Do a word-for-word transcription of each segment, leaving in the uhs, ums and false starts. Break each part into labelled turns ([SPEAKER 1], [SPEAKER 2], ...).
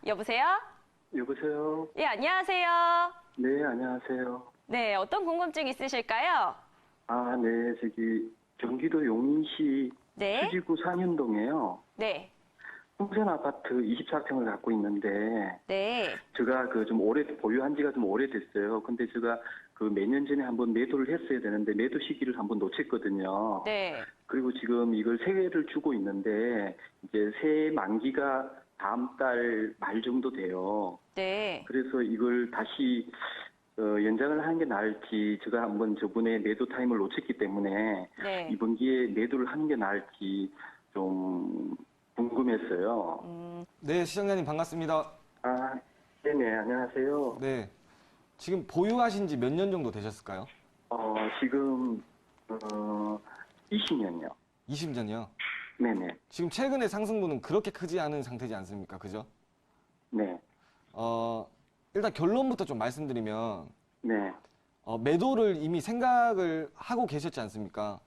[SPEAKER 1] 여보세요?
[SPEAKER 2] 여보세요?
[SPEAKER 1] 예, 안녕하세요.
[SPEAKER 2] 네, 안녕하세요.
[SPEAKER 1] 네, 어떤 궁금증 있으실까요?
[SPEAKER 2] 아, 네, 저기, 경기도 용인시
[SPEAKER 1] 네.
[SPEAKER 2] 수지구 상현동에요.
[SPEAKER 1] 네.
[SPEAKER 2] 풍선 아파트 이십사 평을 갖고 있는데,
[SPEAKER 1] 네.
[SPEAKER 2] 제가 그 좀 오래, 보유한 지가 좀 오래됐어요. 근데 제가 그 몇 년 전에 한번 매도를 했어야 되는데, 매도 시기를 한번 놓쳤거든요.
[SPEAKER 1] 네.
[SPEAKER 2] 그리고 지금 이걸 세회를 주고 있는데, 이제 새 만기가 다음 달 말 정도 돼요.
[SPEAKER 1] 네.
[SPEAKER 2] 그래서 이걸 다시 어, 연장을 하는 게 나을지, 제가 한번 저번에 매도 타임을 놓쳤기 때문에
[SPEAKER 1] 네.
[SPEAKER 2] 이번 기회에 매도를 하는 게 나을지 좀 궁금했어요.
[SPEAKER 1] 음,
[SPEAKER 3] 네, 시청자님 반갑습니다.
[SPEAKER 2] 아, 네네, 안녕하세요.
[SPEAKER 3] 네. 지금 보유하신 지 몇 년 정도 되셨을까요?
[SPEAKER 2] 어, 지금, 어, 이십 년이요.
[SPEAKER 3] 이십 년이요.
[SPEAKER 2] 네네,
[SPEAKER 3] 지금 최근에 상승분은 그렇게 크지 않은 상태지 않습니까? 그죠?
[SPEAKER 2] 네,
[SPEAKER 3] 어, 일단 결론부터 좀 말씀드리면,
[SPEAKER 2] 네.
[SPEAKER 3] 어, 매도를 이미 생각을 하고 계셨지 않습니까?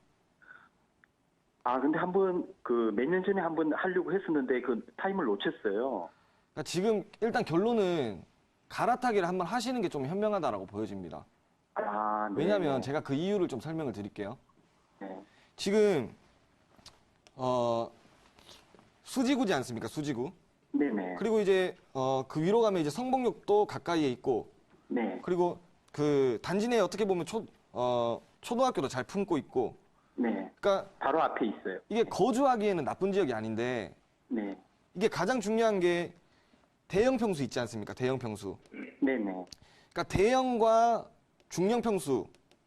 [SPEAKER 2] 아, 근데 한번 그 몇 년 전에 한번 하려고 했었는데 그 타임을 놓쳤어요.
[SPEAKER 3] 그러니까 지금 일단 결론은 갈아타기를 한번 하시는 게 좀 현명하다라고 보여집니다.
[SPEAKER 2] 아, 네.
[SPEAKER 3] 왜냐면 제가 그 이유를 좀 설명을 드릴게요.
[SPEAKER 2] 네,
[SPEAKER 3] 지금, 어, 수지구지 않습니까? 수지구.
[SPEAKER 2] 네네,
[SPEAKER 3] 그리고 이제, 어, 그 위로 가면 이제 성북역도 가까이에 있고,
[SPEAKER 2] 네,
[SPEAKER 3] 그리고 그 단지 내에 어떻게 보면 초, 어, 초등학교도 잘 품고 있고,
[SPEAKER 2] 네.
[SPEAKER 3] 그러니까
[SPEAKER 2] 바로 앞에 있어요.
[SPEAKER 3] 이게 거주하기에는 나쁜 지역이 아닌데,
[SPEAKER 2] 네,
[SPEAKER 3] 이게 가장 중요한 게 대형 평수 있지 않습니까? 대형 평수.
[SPEAKER 2] 네네.
[SPEAKER 3] 그러니까 대형과 중형 평수.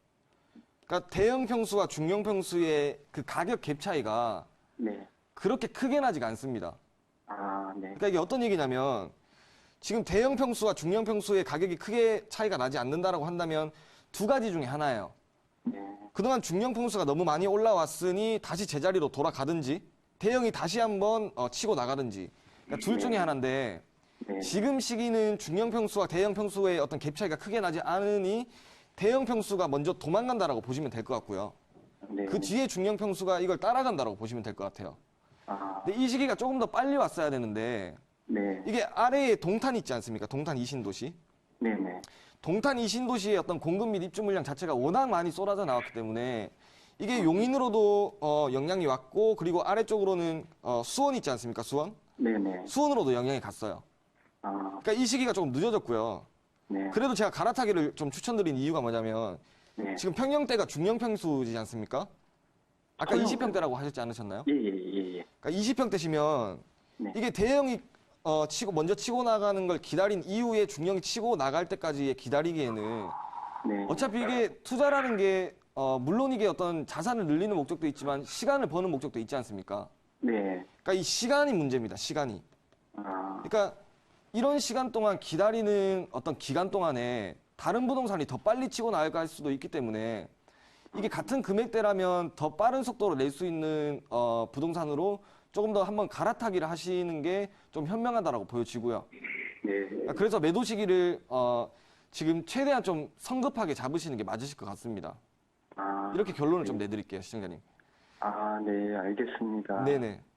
[SPEAKER 3] 그러니까 대형 평수와 중형 평수의 그 가격 갭 차이가
[SPEAKER 2] 네.
[SPEAKER 3] 그렇게 크게 나지가 않습니다.
[SPEAKER 2] 아, 네.
[SPEAKER 3] 그러니까 이게 어떤 얘기냐면 지금 대형 평수와 중형 평수의 가격이 크게 차이가 나지 않는다라고 한다면 두 가지 중에 하나예요.
[SPEAKER 2] 네.
[SPEAKER 3] 그동안 중형 평수가 너무 많이 올라왔으니 다시 제자리로 돌아가든지 대형이 다시 한번 어, 치고 나가든지 그러니까 둘 중에 하나인데
[SPEAKER 2] 네.
[SPEAKER 3] 지금 시기는 중형 평수와 대형 평수의 어떤 갭 차이가 크게 나지 않으니 대형 평수가 먼저 도망간다라고 보시면 될 것 같고요.
[SPEAKER 2] 네.
[SPEAKER 3] 그 뒤에 중형 평수가 이걸 따라간다라고 보시면 될 것 같아요.
[SPEAKER 2] 아,
[SPEAKER 3] 근데 이 시기가 조금 더 빨리 왔어야 되는데
[SPEAKER 2] 네.
[SPEAKER 3] 이게 아래에 동탄 있지 않습니까? 동탄 이신도시.
[SPEAKER 2] 네네.
[SPEAKER 3] 동탄 이신도시의 어떤 공급 및 입주 물량 자체가 워낙 많이 쏟아져 나왔기 때문에 이게 용인으로도 어, 영향이 왔고 그리고 아래쪽으로는 어, 수원 있지 않습니까? 수원?
[SPEAKER 2] 네네.
[SPEAKER 3] 수원으로도 영향이 갔어요.
[SPEAKER 2] 아,
[SPEAKER 3] 그러니까 이 시기가 조금 늦어졌고요.
[SPEAKER 2] 네.
[SPEAKER 3] 그래도 제가 갈아타기를 좀 추천드린 이유가 뭐냐면
[SPEAKER 2] 네.
[SPEAKER 3] 지금 평형대가 중형 평수지 않습니까? 아까
[SPEAKER 2] 평형.
[SPEAKER 3] 이십 평대라고 하셨지 않으셨나요?
[SPEAKER 2] 예, 예, 예, 예.
[SPEAKER 3] 그러니까 이십 평대시면
[SPEAKER 2] 네.
[SPEAKER 3] 이게 대형이 어, 치고 먼저 치고 나가는 걸 기다린 이후에 중형이 치고 나갈 때까지의 기다리기에는
[SPEAKER 2] 네.
[SPEAKER 3] 어차피 이게 투자라는 게 어, 물론 이게 어떤 자산을 늘리는 목적도 있지만 시간을 버는 목적도 있지 않습니까?
[SPEAKER 2] 네.
[SPEAKER 3] 그러니까 이 시간이 문제입니다. 시간이.
[SPEAKER 2] 아,
[SPEAKER 3] 그러니까 이런 시간 동안 기다리는 어떤 기간 동안에 다른 부동산이 더 빨리 치고 나갈 수도 있기 때문에 이게 같은 금액대라면 더 빠른 속도로 낼 수 있는 어, 부동산으로 조금 더 한번 갈아타기를 하시는 게 좀 현명하다라고 보여지고요.
[SPEAKER 2] 네.
[SPEAKER 3] 그래서 매도 시기를 어, 지금 최대한 좀 성급하게 잡으시는 게 맞으실 것 같습니다.
[SPEAKER 2] 아,
[SPEAKER 3] 이렇게 결론을 좀 내드릴게요, 시청자님.
[SPEAKER 2] 아, 네, 알겠습니다.
[SPEAKER 3] 네네.